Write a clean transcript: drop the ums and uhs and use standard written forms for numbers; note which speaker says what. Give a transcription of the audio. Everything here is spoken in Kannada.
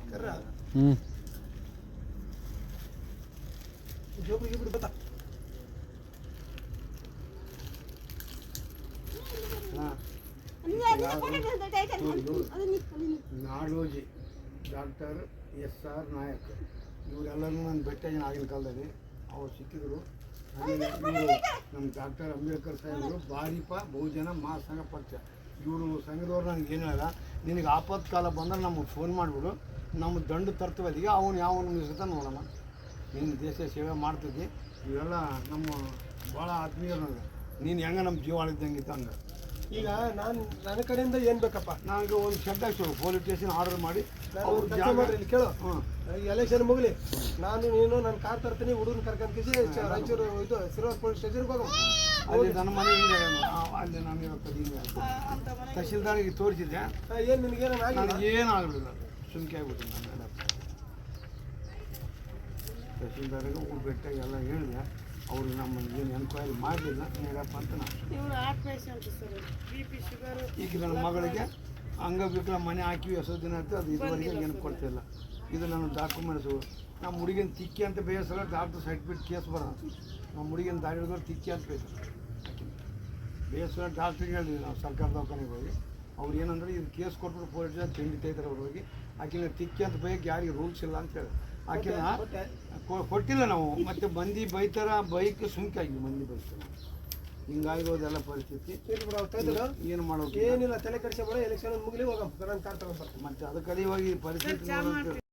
Speaker 1: ಹ್ಞೂ
Speaker 2: ನಾಡೋಜಿ ಡಾಕ್ಟರ್ SR ನಾಯಕ್ ಇವರೆಲ್ಲರೂ ನಾನು ಭೇಟಿಯಾಗಿ ಆಗಿನ ಕಾಲದಲ್ಲಿ ಅವ್ರು ಸಿಕ್ಕಿದ್ರು. ನಮ್ಮ ಡಾಕ್ಟರ್ ಅಂಬೇಡ್ಕರ್ ಸಾಹೇಬರು ಭಾರಿಪ ಬಹುಜನ ಮಹಾಸಂಘ ಪಕ್ಷ ಇವರು ಸಂಘದವ್ರು ನನಗೆ ಏನು ಹೇಳ, ನಿನಗೆ ಆಪತ್ಕಾಲ ಬಂದ್ರೆ ನಮಗೆ ಫೋನ್ ಮಾಡಿಬಿಡು, ನಮ್ಮ ದಂಡು ತರ್ತೀವಲ್ಲಿಗೆ ಅವನು ಯಾವನು ನಿಲ್ಸುತ್ತ ನೋಡೋಣ, ನೀನು ದೇಶ ಸೇವೆ ಮಾಡ್ತಿದ್ದಿ. ಇವೆಲ್ಲ ನಮ್ಮ ಭಾಳ ಆತ್ಮೀಯರು ನನಗೆ, ನೀನು ಹೆಂಗೆ ನಮ್ಮ ಜೀವ ಆಳಿದ್ದಂಗಿತ್ತು ಹಂಗೆ.
Speaker 3: ಈಗ ನನ್ನ ಕಡೆಯಿಂದ ಏನು ಬೇಕಪ್ಪ,
Speaker 2: ನನಗೆ ಒಂದು ಶೆಡ್ ಹಾಕ್ಸೋರು ಪೊಲೀಸ್ ಸ್ಟೇಷನ್ ಆರ್ಡರ್ ಮಾಡಿ
Speaker 3: ಅವ್ರು ಇಲ್ಲಿ ಕೇಳು. ಎಲೆಕ್ಷನ್ ಮುಗಲಿ, ನೀನು ನನ್ನ ಕಾರ್ ತರ್ತೀನಿ, ಹುಡುಗನ ಕರ್ಕೊಂಡ್ಕಿಸಿ ರಾಯಚೂರು ಇದು ಸಿರೋರ್ ಪೊಲೀಸ್ ಸ್ಟೇಷನ್ಗೆ ಹೋಗೋ.
Speaker 2: ಅಲ್ಲಿ ನನ್ನ ಮನೆ ಹಿಂಗೆ ಅಲ್ಲಿ ನಾನು ಇವತ್ತು ಹಿಂಗೆ ತಹಶೀಲ್ದಾರಿಗೆ ತೋರಿಸಿದ್ದೆ.
Speaker 3: ಏನು ನಿನಗೇನು
Speaker 2: ನನಗೇನು ಆಗಲಿಲ್ಲ, ಸುಮ್ಕೆ ಆಗ್ಬಿಟ್ಟು ನಾನು ತಹಶೀಲ್ದಾರಿಗೆ ಹೋಗಿ ಭೇಟಿಯಾಗಿ ಎಲ್ಲ ಹೇಳಿದೆ. ಅವರು ನಮ್ಮ ಏನು ಎನ್ಕ್ವೈರಿ ಮಾಡಲಿಲ್ಲ, ನೀಡಪ್ಪ ಅಂತ ನಾನು. ಈಗ ನನ್ನ ಮಗಳಿಗೆ ಅಂಗವಿಕಲ ಮನೆ ಹಾಕಿ ಹೊಸ ದಿನ ಆಯ್ತು, ಅದು ಇದುವರೆಗೆ ಏನು ಕೊಡ್ತಿಲ್ಲ. ಇದು ನನ್ನ ಡಾಕ್ಯುಮೆಂಟ್ಸು. ನಮ್ಮ ಹುಡುಗಿನ ತಿಕ್ಕಿ ಅಂತ ಬೇಯಿಸಲ್ಲ, ಡಾಕ್ಟರ್ ಸರ್ಟಿಫಿಕೇಟ್ ಕೇಸ್ ಬರೋದು. ನಮ್ಮ ಹುಡುಗಿನ ದಾರಿ ಹಿಡಿದವ್ರು ತಿಕ್ಕಿ ಅಂತ ಬೇಯಿಸೋ ಡಾಕ್ಟ್ರಿಗೆ ಹೇಳಿದ್ವಿ ನಾವು ಸರ್ಕಾರ ದವಾಖಾನೆಗೆ ಹೋಗಿ. ಅವ್ರು ಏನಂದ್ರೆ ಇದು ಕೇಸ್ ಕೊಟ್ಬಿಟ್ಟು ಪೊಲೀಸ್ ತಿಂಡಿ ತೆಗಿತಾರೆ ಅವ್ರು ಹೋಗಿ. ಆಕಿನ ತಿಕ್ಕಿ ಅಂತ ಬೈಕ್ ಯಾರಿಗೆ ರೂಲ್ಸ್ ಇಲ್ಲ ಅಂತ ಹೇಳಿ ಆಕಿನ ಕೊಟ್ಟಿಲ್ಲ ನಾವು. ಮತ್ತು ಮಂದಿ ಬೈತಾರ, ಬೈಕ್ ಸುಮ್ಕಾಗಿ ಮಂದಿ ಬೈತಾರೆ. ಹಿಂಗಾಗಿರೋದೆಲ್ಲ ಪರಿಸ್ಥಿತಿ. ಏನು ಮಾಡೋದು,
Speaker 3: ಏನಿಲ್ಲ, ತಲೆ ಕೆಡಿಸ್ಬೇಡ, ಎಲೆಕ್ಷನ್ ಮುಗಿಲಿ ಹೋಗಮ್ಮ, ಕಾರ್ ತಗೊಂಡ್ಬರ್ತೀನಿ.
Speaker 2: ಮತ್ತು ಅದಕ್ಕೆ ಇವಾಗ ಈ ಪರಿಸ್ಥಿತಿ